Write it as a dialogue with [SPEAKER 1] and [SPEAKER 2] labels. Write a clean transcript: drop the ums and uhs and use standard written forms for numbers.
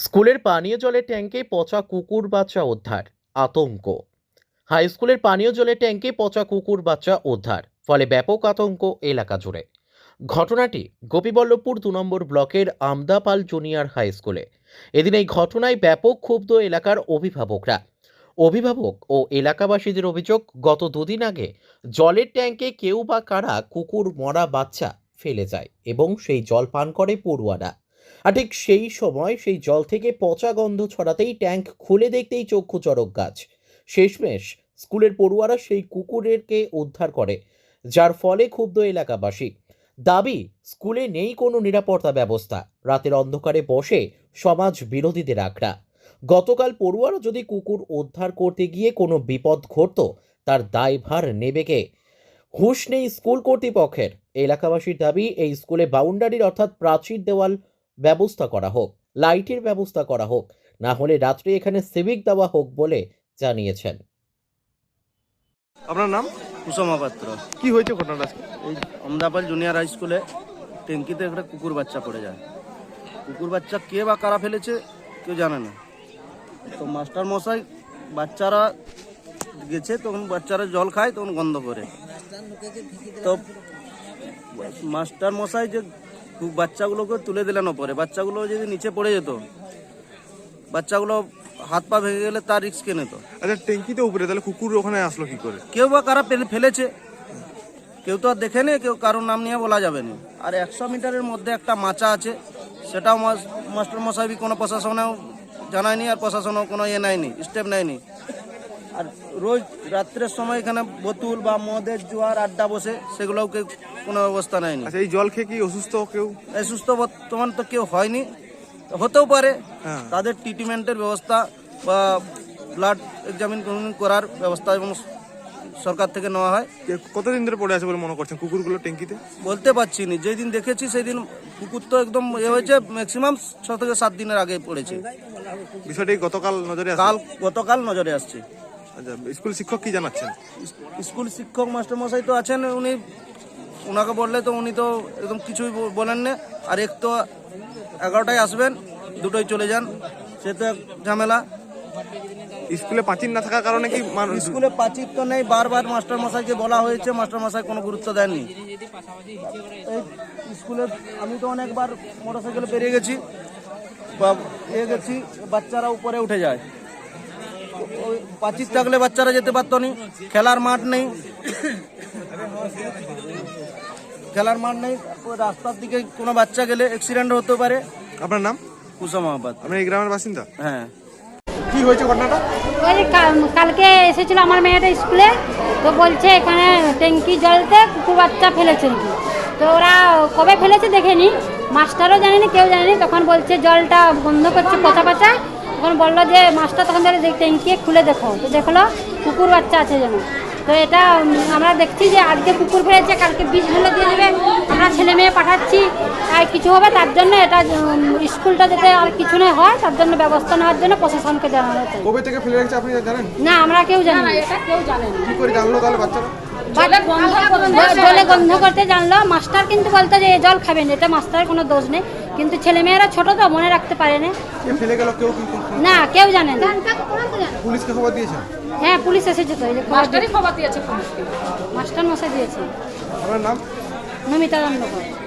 [SPEAKER 1] স্কুলের পানীয় জলের ট্যাঙ্কে পচা কুকুর বাচ্চা উদ্ধার, আতঙ্ক। হাই স্কুলের পানীয় জলের ট্যাঙ্কে পচা কুকুর বাচ্চা উদ্ধার, ফলে ব্যাপক আতঙ্ক এলাকা জুড়ে। ঘটনাটি গোপীবল্লভপুর 2 নম্বর ব্লকের আমদাপাল জুনিয়র হাই স্কুলে। এদিন এই ঘটনায় ব্যাপক ক্ষুব্ধ এলাকার অভিভাবক ও এলাকাবাসীদের অভিযোগ, গত 2 দিন আগে জলের ট্যাঙ্কে কেউ বা কারা কুকুর মরা বাচ্চা ফেলে যায় এবং সেই জল পান করে পড়ুয়ারা। আর ঠিক সেই সময় সেই জল থেকে পচা গন্ধ ছড়াতেই ট্যাঙ্ক খুলে দেখতেই চক্ষু চড়ক গাছ। শেষমেশ স্কুলের পড়ুয়ারা সেই কুকুরকে উদ্ধার করে, যার ফলে ক্ষুব্ধ এলাকাবাসী। দাবি, স্কুলে নেই কোনো নিরাপত্তা ব্যবস্থা, রাতের অন্ধকারে বসে সমাজ বিরোধীদের আখড়া। গতকাল পড়ুয়ারা যদি কুকুর উদ্ধার করতে গিয়ে কোনো বিপদ ঘটত, তার দায়ভার নেবে কে? হুঁশ নেই স্কুল কর্তৃপক্ষের। এলাকাবাসীর দাবি, এই স্কুলে বাউন্ডারির অর্থাৎ প্রাচীর দেওয়াল ব্যবস্থা করা হোক, লাইটের ব্যবস্থা করা হোক, না হলে রাত্রে এখানে সিভিক দেওয়া হোক বলে জানিয়েছেন।
[SPEAKER 2] আপনার নাম?
[SPEAKER 3] কুসুমা পাত্র।
[SPEAKER 2] কি হয়েছে ঘটনাটা আজকে?
[SPEAKER 3] এই আমদাপাল জুনিয়র হাই স্কুলে ট্যাঙ্কিতে একটা কুকুর বাচ্চা পড়ে যায়। কুকুর বাচ্চা কে বা কারা ফেলেছে কেউ জানে না। তো মাস্টার মশাই বাচ্চারা গেছে, তখন বাচ্চারা জল খায়, তখন গন্ধ করে। তো মাস্টার মশাই যে বাচ্চাগুলোকে তুলে দিলেন ওপরে, বাচ্চাগুলো যদি নিচে পড়ে যেত, বাচ্চাগুলো হাত পা ভেঙে গেলে তার রিস্ক কে নিত?
[SPEAKER 2] আচ্ছা, ট্যাঙ্কিতে উপরে, তাহলে কুকুর ওখানে আসলো কি করে?
[SPEAKER 3] কেউ বা কারা ফেলেছে, কেউ তো আর দেখেনি, কেউ কারোর নাম নিয়ে বলা যাবে না। আর 100 মিটারের মধ্যে একটা মাচা আছে, সেটাও মাস্টার মশাই কোনো প্রশাসনেও জানায়নি, আর প্রশাসনও কোনো নেয়নি, স্টেপ নেয়নি। আর রোজ রাত্রের সময় এখানে বোতল বা মদের জোয়ার আড্ডা বসে, সেগুলোও কেউ কোনো ব্যবস্থা নেয়নি।
[SPEAKER 2] আচ্ছা, এই জল খেয়ে কি অসুস্থ কেউ?
[SPEAKER 3] অসুস্থ বর্তমান তো কেউ হয়নি, হতেও পারে।
[SPEAKER 2] হ্যাঁ।
[SPEAKER 3] তাদের ট্রিটমেন্টের ব্যবস্থা বা ব্লাড এক্সামিন করার ব্যবস্থা এবং সরকার থেকে নেওয়া হয়।
[SPEAKER 2] কতদিন ধরে পড়ে আছে বলে মনে করছেন কুকুরগুলো ট্যাঙ্কিতে?
[SPEAKER 3] বলতে পারছি না, যেই দিন দেখেছি সেই দিন কুকুর তো একদম হয়েছে, ম্যাক্সিমাম 6 থেকে 7 দিনের আগে পড়েছে।
[SPEAKER 2] বিষয়টি গতকাল নজরে আসে?
[SPEAKER 3] গতকাল নজরে আসছে।
[SPEAKER 2] আচ্ছা, স্কুল শিক্ষক কি জানাচ্ছেন?
[SPEAKER 3] স্কুল শিক্ষক মাস্টার মশাই তো আছেন, ওনাকে বললে তো উনি তো একদম কিছুই বলেন না। আর এক তো 11টায় আসবেন, 2টোয় চলে যান, সে তো এক ঝামেলা।
[SPEAKER 2] স্কুলে প্রাচীর না থাকার কারণে কি
[SPEAKER 3] স্কুলে প্রাচীর তো নেই, বারবার মাস্টার মশাইকে বলা হয়েছে, মাস্টার মশাই কোনো গুরুত্ব দেননি। এই স্কুলে আমি তো অনেকবার মোটরসাইকেলে পেরিয়ে গেছি বা গেছি, বাচ্চারা উপরে উঠে যায়। ওই প্রাচীর থাকলে বাচ্চারা যেতে পারতো না। খেলার মাঠ নেই, রাস্তার দিকে কোনো বাচ্চা গেলে অ্যাক্সিডেন্ট হতে পারে।
[SPEAKER 2] আপনার নাম?
[SPEAKER 3] কুসুমা পাত্র।
[SPEAKER 2] আপনি এই গ্রামের বাসিন্দা?
[SPEAKER 3] হ্যাঁ।
[SPEAKER 2] কি হয়েছে ঘটনাটা?
[SPEAKER 4] ওই কালকে এসেছিল আমার মেয়েটা স্কুলে, তো বলছে এখানে ট্যাঙ্কি জলতে কুকুর বাচ্চা ফেলেছে নাকি। তো ওরা কবে ফেলেছে দেখেনি, মাস্টারও জানেনি, কেউ জানেনি। তখন বলছে জলটা বন্ধ করছে পচা পচা। তখন বললো যে মাস্টার, তখন ধরে ট্যাঙ্কি খুলে দেখো, তো দেখলো কুকুর বাচ্চা আছে যেন। তো এটা আমরা দেখছি যে আজকে কুকুর ফেলেছে, কালকে বিষ ঢেলে দিয়ে দেবে। আমরা ছেলে মেয়ে পাঠাচ্ছি, আর কিছু হবে তার জন্য, এটা স্কুলটা যাতে আর কিছু না হয় তার জন্য ব্যবস্থা নেওয়ার জন্য প্রশাসনকে জানানো চাই।
[SPEAKER 2] কবে থেকে ফেলে রেখেছে আপনি জানেন?
[SPEAKER 4] না, আমরা কেউ জানি না, এটা কেউ জানে না।
[SPEAKER 2] কি করে জানলো তাহলে বাচ্চারা?
[SPEAKER 4] জলে গন্ধ করতে জানলো। মাস্টার কিন্তু বলতো যে এই জল খাবেন, এটা মাস্টারের কোনো দোষ নেই, কিন্তু ছেলেমেয়েরা ছোট তো মনে রাখতে পারে না।
[SPEAKER 2] ফেলে গেল কেউ?
[SPEAKER 4] না, কেউ জানে না।
[SPEAKER 2] পুলিশকে খবর দিয়েছেন?
[SPEAKER 4] হ্যাঁ, পুলিশ এসেছে তো, মাস্টারই খবর দিয়েছে, মাস্টার মশাই দিয়েছে।
[SPEAKER 2] আপনার নাম?
[SPEAKER 4] নমিতা দণ্ডকর।